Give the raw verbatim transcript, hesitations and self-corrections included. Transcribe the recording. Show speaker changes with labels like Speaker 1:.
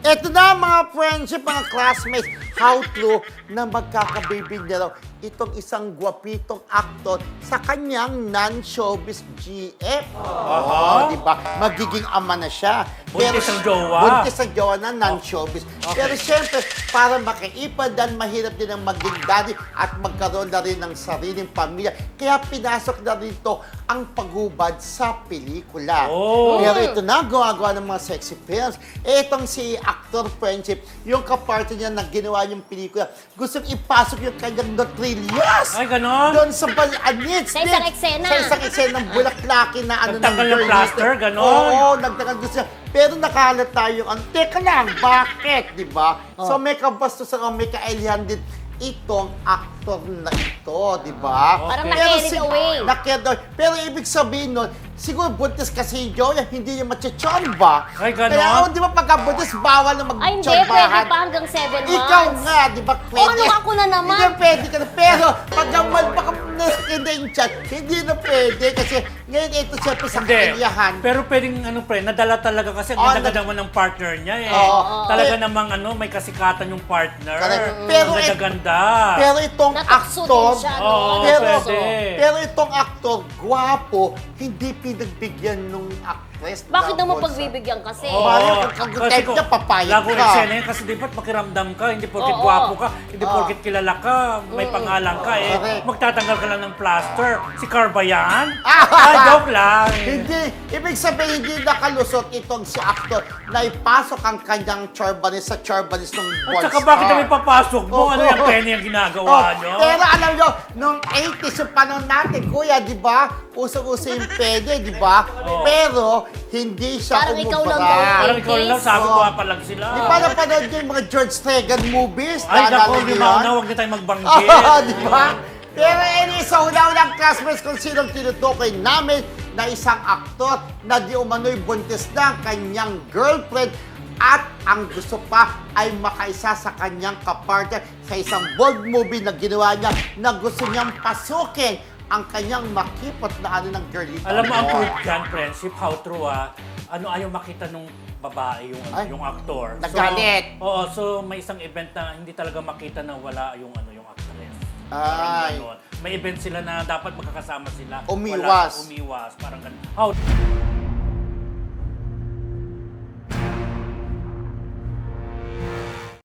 Speaker 1: Ito na mga friendship, mga classmates, how true na magkakabibig na raw itong isang gwapitong aktor sa kanyang non-showbiz G F. Oo, di ba? Magiging ama na siya.
Speaker 2: Buntis ang jowa.
Speaker 1: Buntis ang jowa na non-showbiz.
Speaker 2: Okay.
Speaker 1: Pero siyempre, para makaipad dan mahirap din ang maging daddy at magkaroon na rin ng sariling pamilya. Kaya pinasok na rin ito ang paghubad sa pelikula.
Speaker 2: Oh.
Speaker 1: Pero ito na, gumagawa ng mga sexy films. Eh, itong si actor friendship, yung kapartner niya na ginawa yung pelikula, gusto ipasok yung kanyang notrillas.
Speaker 2: Ay, ganon?
Speaker 1: Doon sa balanits.
Speaker 3: Sa isang eksena.
Speaker 1: Sa isang eksena ng bulaklaki na ano
Speaker 2: Nagtanggal ng
Speaker 1: girl
Speaker 2: plaster,
Speaker 1: list.
Speaker 2: ganon?
Speaker 1: Oo, nagtanggal gusto niya. Pero nakalat tayo ang, teka lang, bakit, di ba? So may kabastusan o may kaelihan din itong actor na ito, di ba?
Speaker 3: Parang
Speaker 2: Okay.
Speaker 3: na-carried
Speaker 1: si-
Speaker 3: away.
Speaker 1: na-carried away. Pero ibig sabihin nun, siguro buntis kasi yung Joya, hindi niya machichomba.
Speaker 2: Ay, ganon?
Speaker 1: Kaya oh, di ba pagka buntis, bawal na
Speaker 3: Ay, hindi.
Speaker 1: magchombahan.
Speaker 3: Pwede pa hanggang seven months.
Speaker 1: Ikaw nga, di ba pwede?
Speaker 3: ano ako na naman?
Speaker 1: Hindi na pwede ka na. Pero pag naman baka hindi yung chat, hindi na pwede. Kasi ngayon ito siyempre sa
Speaker 2: Hindi.
Speaker 1: kaliyahan.
Speaker 2: Pero pwedeng ano pre, nadala talaga kasi ang
Speaker 1: Oh,
Speaker 2: ganda
Speaker 1: nag-
Speaker 2: naman ng partner niya eh.
Speaker 1: Oo.
Speaker 2: Talaga
Speaker 1: Eh,
Speaker 2: namang ano, may kasikatan yung partner.
Speaker 1: Correct. Pero
Speaker 2: Ang
Speaker 1: eh-
Speaker 2: ganda-ganda.
Speaker 1: Pero itong
Speaker 3: Natukso din
Speaker 1: actor,
Speaker 3: siya, no?
Speaker 2: Oo,
Speaker 1: pero,
Speaker 2: pwede.
Speaker 1: pero itong actor, gwapo, hindi pinagbigyan nung actress.
Speaker 3: Bakit
Speaker 1: na
Speaker 3: naman
Speaker 1: Bolsa.
Speaker 3: pagbibigyan kasi?
Speaker 1: Oo. Mario, kung type niya, papayag
Speaker 2: Lago
Speaker 1: ka.
Speaker 2: ng eksena yan kasi di ba't makiramdam ka, hindi porket
Speaker 3: Oo.
Speaker 2: gwapo ka, hindi
Speaker 1: Oo.
Speaker 2: porket kilala ka, may pangalan ka eh.
Speaker 1: Correct.
Speaker 2: Magtatanggal ka lang ng plaster. Si Carba yan?
Speaker 1: Ah!
Speaker 2: Ah, joke lang.
Speaker 1: Hindi. Ibig sabihin, hindi nakalusot itong si actor na ipasok ang kanyang charbanis sa charbanis ng
Speaker 2: At
Speaker 1: Bolsa.
Speaker 2: saka bakit kami papasok mo?
Speaker 1: Oo.
Speaker 2: Ano yung penny ang ginagawa
Speaker 1: Oh,
Speaker 2: nyo?
Speaker 1: pero alam nyo, nung eighties yung panahon natin, kuya, di ba? Usong-uso yung pwede, di ba?
Speaker 2: Oo.
Speaker 1: Pero, hindi siya
Speaker 3: Parang ikaw lang
Speaker 1: umubra.
Speaker 3: daw,
Speaker 2: Parang ikaw lang, sabi ko
Speaker 1: Oo.
Speaker 2: nga pa lang sila.
Speaker 1: Di ba napanood nyo yung mga George Stregan movies?
Speaker 2: Ay,
Speaker 1: Naalala
Speaker 2: naku,
Speaker 1: nyo
Speaker 2: di
Speaker 1: yun?
Speaker 2: ba na, huwag na tayong magbanggit.
Speaker 1: Oo, di ba? Pero anyway, sa una-unang classmates kung sinong tinutukoy namin na isang aktor na di umano'y buntis na ang kanyang girlfriend at ang gusto pa ay makaisa sa kanyang kapartner sa isang bold movie na ginawa niya na gusto niyang pasukin ang kanyang makipot na ano ng girlie.
Speaker 2: Alam mo, ang proof dyan, friendship, how true ah, ano ayaw makita nung babae, yung
Speaker 1: Ay,
Speaker 2: yung aktor.
Speaker 1: nagalit.
Speaker 2: So, oo, so may isang event na hindi talaga makita na wala yung ano yung actress. Parang
Speaker 1: Ay.
Speaker 2: ganon. May event sila na dapat magkakasama sila.
Speaker 1: Umiwas.
Speaker 2: Wala, umiwas. Parang ganun. How